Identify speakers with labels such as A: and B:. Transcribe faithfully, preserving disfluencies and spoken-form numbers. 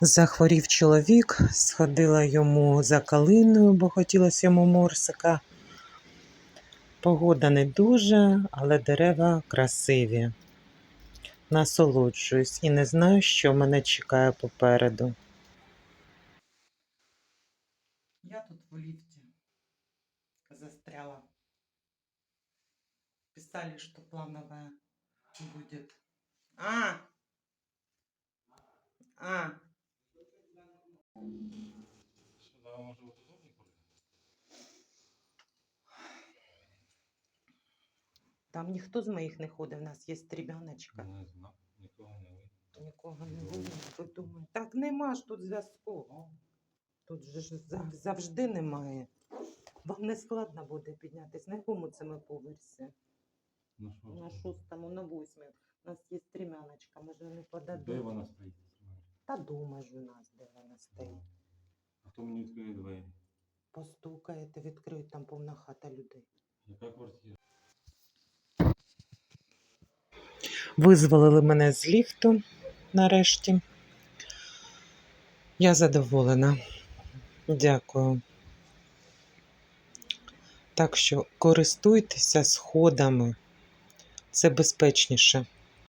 A: Захворів чоловік, сходила йому за калиною, бо хотілося йому морсика. Погода не дуже, але дерева красиві. Насолоджуюсь і не знаю, що мене чекає попереду. Я тут в лифте застряла. Писали, что плановая будет. А! А!
B: Сюда може бути удобні курити?
A: Там ніхто з моїх не ходить, у нас є стрімяночка.
B: Не знаю, нікого не видно.
A: Нікого не видно, ви думаєте. Так нема ж тут зв'язку. Тут же ж зав- завжди немає. Вам не складно буде піднятися. На якому це ми поверсі?
B: Ну що?
A: На шостому, на восьмому. У нас є стрімяночка, може не
B: Де
A: подадуть.
B: вона стоїть?
A: Та дома ж у нас, де вона стоїть.
B: А хто мені відкриє двері?
A: Постукаєте, відкриють, там повна хата людей.
B: Яка квартира?
A: Визволили мене з ліфту нарешті. Я задоволена. Дякую. Так що користуйтеся сходами. Це безпечніше.